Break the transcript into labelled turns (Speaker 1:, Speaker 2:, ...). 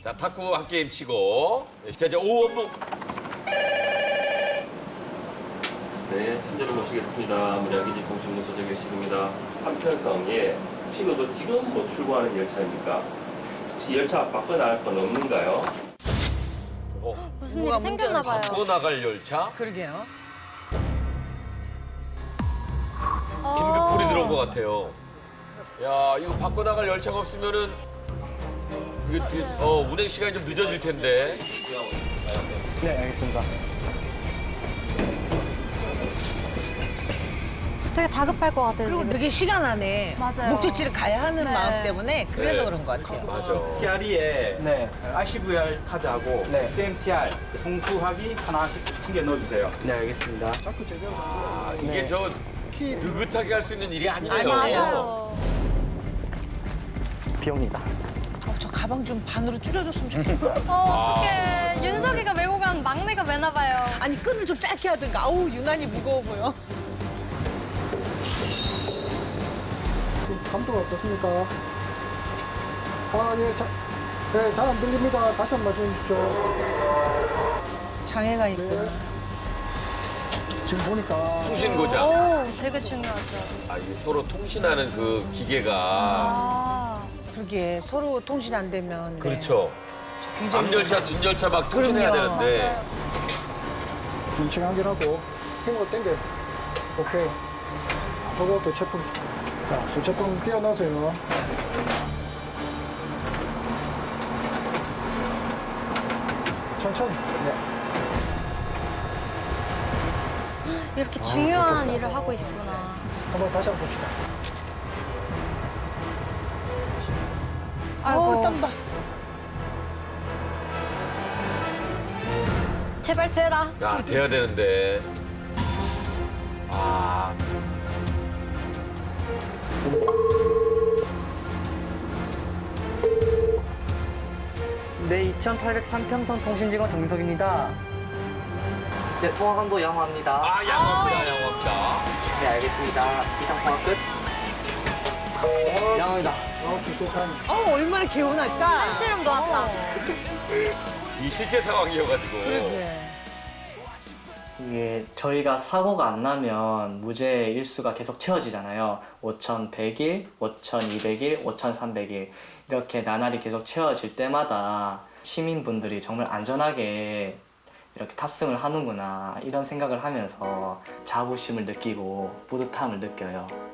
Speaker 1: 자, 탁구 한 게임 치고. 자, 이제 오원봉.
Speaker 2: 네, 친절을 모시겠습니다. 문양기지 통신문 조정교실입니다. 한편성에 혹시 지금 출고하는 열차입니까? 혹시 열차 바꿔나갈 건 없는가요?
Speaker 3: 무슨
Speaker 4: 뭐가
Speaker 3: 일이 생겼나 봐요.
Speaker 1: 바꿔 나갈 열차?
Speaker 4: 그러게요.
Speaker 1: 긴급불이 들어온 것 같아요. 야, 이거 바꿔 나갈 열차가 없으면은 이거 운행 시간이 좀 늦어질 텐데.
Speaker 5: 네, 알겠습니다.
Speaker 3: 되게 다급할 것 같아요.
Speaker 4: 그리고
Speaker 3: 지금.
Speaker 4: 되게 시간 안에
Speaker 3: 맞아요.
Speaker 4: 목적지를 가야 하는
Speaker 3: 네.
Speaker 4: 마음 때문에 그래서
Speaker 1: 네.
Speaker 4: 그런 것 같아요.
Speaker 1: 맞아.
Speaker 6: TRE에
Speaker 5: 네.
Speaker 6: RCVR 카드하고
Speaker 5: 네.
Speaker 6: SMTR 송수하기 하나씩 챙겨 넣어주세요.
Speaker 5: 네, 알겠습니다.
Speaker 1: 아, 이게
Speaker 5: 네.
Speaker 1: 저 느긋하게 할 수 있는 일이 아니네요.
Speaker 4: 아니에요.
Speaker 3: 맞아요.
Speaker 5: 비옵니다.
Speaker 4: 저 가방 좀 반으로 줄여줬으면 좋겠다.
Speaker 3: 어떡해. 윤석이가 메고 간 막내가 매나 봐요.
Speaker 4: 아니 끈을 좀 짧게 하든가. 아우 유난히 무거워 보여.
Speaker 7: 감도가 어떻습니까? 예, 네, 잘 안 들립니다. 다시 한 번 말씀해 주십시오.
Speaker 4: 장애가 있구나.
Speaker 7: 네. 지금 보니까
Speaker 1: 통신 고장.
Speaker 3: 오, 되게 중요하죠.
Speaker 1: 아, 이게 서로 통신하는 그 기계가.
Speaker 3: 아,
Speaker 4: 그러게 서로 통신 안 되면. 네.
Speaker 1: 그렇죠.
Speaker 4: 굉장히
Speaker 1: 앞열차, 뒷열차 막 통신해야
Speaker 4: 그럼요.
Speaker 1: 되는데.
Speaker 7: 눈치 확인하고 힘으로 당겨. 오케이. 저거 교체품. 자, 교체품 끼워 넣으세요. 천천히. 네.
Speaker 3: 이렇게 중요한 일을 하고 있구나.
Speaker 7: 한번 다시 한번 봅시다.
Speaker 3: 아이고,
Speaker 4: 땀봐.
Speaker 3: 제발 되라.
Speaker 1: 아, 돼야 되는데. 아,
Speaker 5: 네, 2803평선 통신직원 정석입니다. 네, 통화감도 양호합니다.
Speaker 1: 아, 양호합니다, 양호합니다.
Speaker 5: 네, 알겠습니다. 이상 통화 끝. 양호합니다.
Speaker 4: 얼마나 개운할까.
Speaker 3: 실험 놓았다.
Speaker 1: 이 실제 상황이어가지고.
Speaker 4: 그러게.
Speaker 5: 이게 저희가 사고가 안 나면 무죄 일수가 계속 채워지잖아요. 5,100일, 5,200일, 5,300일 이렇게 나날이 계속 채워질 때마다 시민분들이 정말 안전하게 이렇게 탑승을 하는구나 이런 생각을 하면서 자부심을 느끼고 뿌듯함을 느껴요.